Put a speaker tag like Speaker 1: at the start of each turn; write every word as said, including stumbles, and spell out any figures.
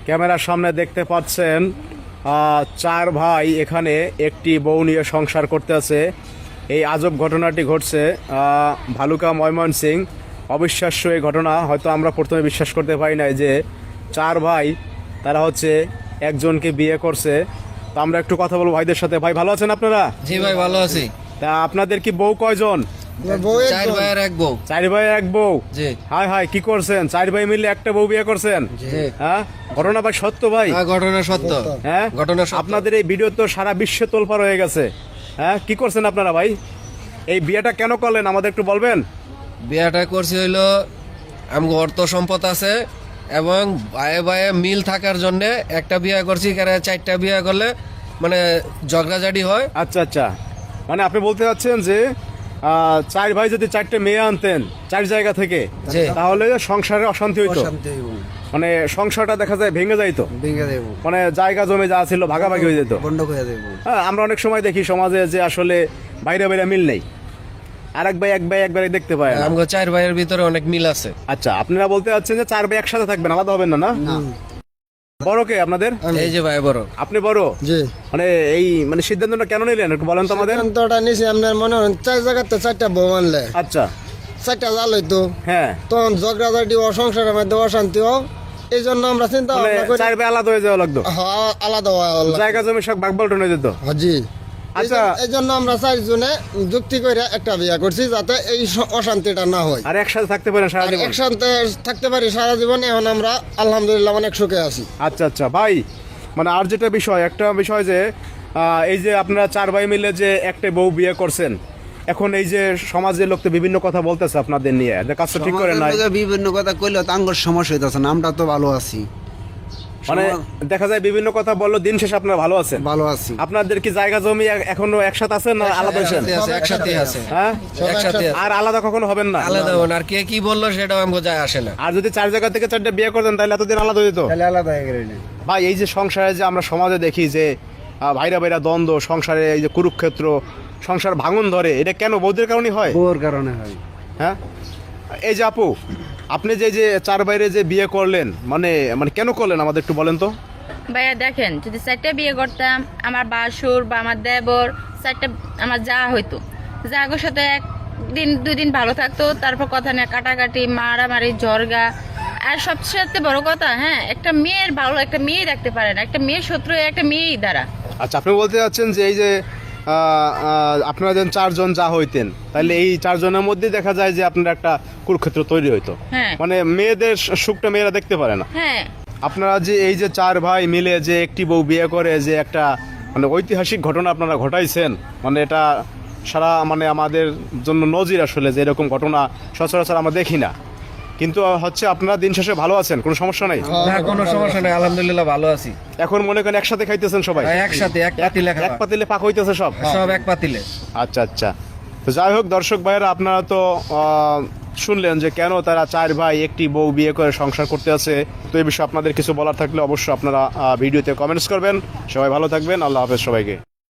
Speaker 1: ক্যামেরার সামনে দেখতে পাচ্ছেন আহ, চার ভাই এখানে একটি বউ নিয়ে সংসার করতে আছে। এই আজব ঘটনাটি ঘটছে আহ, ভালুকা ময়মনসিংহ। অবিশ্বাস্য এই ঘটনা, হয়তো আমরা প্রথমে বিশ্বাস করতে পারি নাই যে চার ভাই তারা হচ্ছে একজনকে বিয়ে করছে। তো আমরা একটু কথা বলবো ভাইদের সাথে। ভাই ভালো আছেন আপনারা?
Speaker 2: জি ভাই ভালো আছি।
Speaker 1: তা আপনাদের কি বউ কয়জন?
Speaker 2: চার ভাইয়ের এক বউ।
Speaker 1: চার ভাই এক বউ?
Speaker 2: জি।
Speaker 1: হাই হাই, কি করছেন? চার ভাই মিলে একটা বউ বিয়ে করছেন?
Speaker 2: জি।
Speaker 1: হ্যাঁ, ঘটনা ভাই সত্য ভাই?
Speaker 2: হ্যাঁ, ঘটনা সত্য।
Speaker 1: হ্যাঁ,
Speaker 2: ঘটনা সত্য।
Speaker 1: আপনাদের এই ভিডিও তো সারা বিশ্বে তোলপাড় হয়ে গেছে। হ্যাঁ, কি করছেন আপনারা ভাই? এই বিয়েটা কেন করলেন আমাদের একটু বলবেন?
Speaker 2: বিয়েটা করছি হইলো আমগো অর্থ সম্পদ আছে এবং ভাইয়ে ভাইয়ে মিল থাকার জন্য একটা বিয়ে করছি। কারণ চারটা বিয়ে করলে মানে ঝগড়াঝাটি হয়।
Speaker 1: আচ্ছা আচ্ছা, মানে আপনি বলতে চাচ্ছেন যে আহ, চার ভাই যদি চারটে মেয়ে আনতেন চার জায়গা থেকে,
Speaker 2: জি।
Speaker 1: তাহলে সংসারে অশান্তি হইতো, মানে সংসারটা দেখা যায় ভেঙে যাইতো, মানে জায়গা জমি যা ছিল ভাগাভাগি হয়ে যেত। হ্যাঁ, আমরা অনেক সময় দেখি সমাজে যে আসলে বাইরে বাইরে মিল নেই, আর এক ভাই এক ভাই একবারে দেখতে পায় না।
Speaker 2: আমগো চার ভাইয়ের ভিতরে অনেক মিল আছে।
Speaker 1: আচ্ছা, আপনারা বলতে চাচ্ছেন যে চার ভাই একসাথে থাকবেন, আলাদা হবেন না? না, বড় কে আপনাদের?
Speaker 2: এই যে ভাই বড়।
Speaker 1: আপনি বড়?
Speaker 3: জি।
Speaker 1: মানে এই মানে সিদ্ধান্তটা কেন নিলেন একটু বলেন তো আমাদের।
Speaker 3: সিদ্ধান্তটা নিছি আপনার মনে হয় চার জায়গাতে চারটা বউ আনলে
Speaker 1: আচ্ছা।
Speaker 3: চারটা জাল হইতো,
Speaker 1: হ্যাঁ,
Speaker 3: তখন ঝগড়াঝাটি ও সংসারের মধ্যে অশান্তি হোক, এই জন্য আমরা চিন্তা
Speaker 1: মানে
Speaker 3: ভাবনা করি
Speaker 1: চার ভাই আলাদা হয়ে যাওয়া লাগতো,
Speaker 3: হ্যাঁ, আলাদা হওয়া হলো।
Speaker 1: জায়গা জমি সব ভাগ বল্টন হয়ে যেত।
Speaker 3: হ্যাঁ, জি।
Speaker 1: আচ্ছা।
Speaker 3: এই জন্য আমরা চারজনে যুক্তি করে একটা বিয়ে করছি যাতে এই স- অশান্তিটা না হয়,
Speaker 1: আর একসাথে থাকতে পারেন সারা
Speaker 3: আর
Speaker 1: জীবন।
Speaker 3: একসাথে থাকতে পারি সারা জীবন। এখন আমরা আলহামদুলিল্লাহ অনেক সুখে আছি।
Speaker 1: আচ্ছা আচ্ছা ভাই, মানে আর যেটা বিষয়, একটা বিষয় যে আহ, এই যে আপনারা চার ভাই মিলে যে একটা বউ বিয়ে করছেন, এখন এই যে সমাজের লোক তো বিভিন্ন কথা বলতেছে আপনাদের নিয়ে, যে কাজটা ঠিক করে নাই,
Speaker 4: সমাজের লোকে বিভিন্ন কথা কইলে তো আঙ্গুর সমস্যা হইতেছে না, আমরা তো ভালো আছি,
Speaker 1: মানে দেখা যায় বিভিন্ন কথা বললো, দিন শেষে আপনারা ভালো আছেন।
Speaker 4: ভালো আছি।
Speaker 1: আপনাদের কি জায়গা জমি এ- এখনো একসাথে আছেন না আলাদা হয়েছেন?
Speaker 2: একসাথে আছে, একসাথে আছে।
Speaker 1: হ্যাঁ,
Speaker 2: একসাথে আছে।
Speaker 1: আর আলাদা কখনো হবেন না?
Speaker 2: আলাদা হন, আর কে কি বললো সেটাও আমগো যায় আসে না।
Speaker 1: আর যদি চার জায়গা থেকে চারটে বিয়ে করতেন তাহলে এতদিন আলাদা হয়ে যেত।
Speaker 4: তাহলে আলাদা হয়ে গেলে
Speaker 1: ভাই, এই যে সংসারে যে আমরা সমাজে দেখি যে আহ, ভাইরা ভাইরা দ্বন্দ্ব, সংসারে এই যে কুরুক্ষেত্র, সংসার ভাঙন ধরে, এটা কেন বৌদের কারণে হয়?
Speaker 4: বউর কারণে হয়।
Speaker 1: হ্যাঁ, এই যে আপু, আপনি যে যে চার বাইরে যে বিয়ে করলেন, মানে মানে কেন করলেন আমাদের একটু বলেন তো।
Speaker 5: ভাইয়া দেখেন, যদি চারটা বিয়ে করতাম, আমার বাসুর বা আমার দেবর চারটা আমার যা হইতো, যাগোর সাথে একদিন দুই দিন ভালো থাকতো, তারপর কথা নিয়ে কাটাকাটি, মারামারি, ঝরগা। আর সবচেয়ে বড় কথা, হ্যাঁ, একটা মেয়ের ভালো একটা মেয়ে রাখতে পারে না, একটা মেয়ের শত্রু একটা মেয়েই দ্বারা।
Speaker 1: আচ্ছা, আপনি বলতে চাচ্ছেন যে এই যে আহ, আহ, আপনারা যেন চারজন যা হইতেন, তাহলে এই চারজনের মধ্যে দেখা যায় যে আপনার একটা কুরুক্ষেত্র তৈরি হইতো,
Speaker 5: হ্যাঁ।
Speaker 1: মানে মেয়েদের সুখটা মেয়েরা দেখতে পারে না।
Speaker 5: হ্যাঁ,
Speaker 1: আপনারা যে এই যে চার ভাই মিলে যে একটি বউ বিয়ে করে যে একটা মানে ঐতিহাসিক ঘটনা আপনারা ঘটাইছেন, মানে এটা সারা মানে আমাদের জন্য নজির আসলে, যে এরকম ঘটনা সচরাচর আমরা দেখি না। কিন্তু হচ্ছে আপনারা দিন শেষে ভালো আছেন, কোনো সমস্যা নাই?
Speaker 2: না, কোনো সমস্যা নেই, আলহামদুলিল্লাহ ভালো আছি।
Speaker 1: এখন মনে করেন একসাথে খাইতেছেন সবাই?
Speaker 2: হ্যাঁ, একসাথে এক পাতিলে
Speaker 1: এক
Speaker 2: খাওয়া।
Speaker 1: পাতিলে পাক হইতেছে সব?
Speaker 2: সব এক পাতিলে।
Speaker 1: আচ্ছা আচ্ছা, তো যাই হোক দর্শক ভাইয়েরা, আপনারা তো আহ, শুনলেন যে কেন তারা চার ভাই একটি বউ বিয়ে করে সংসার করতে আছে। তো এই বিষয়ে আপনাদের কিছু বলার থাকলে অবশ্যই আপনারা আহ, ভিডিওতে কমেন্টস করবেন। সবাই ভালো থাকবেন, আল্লাহ হাফেজ সবাইকে।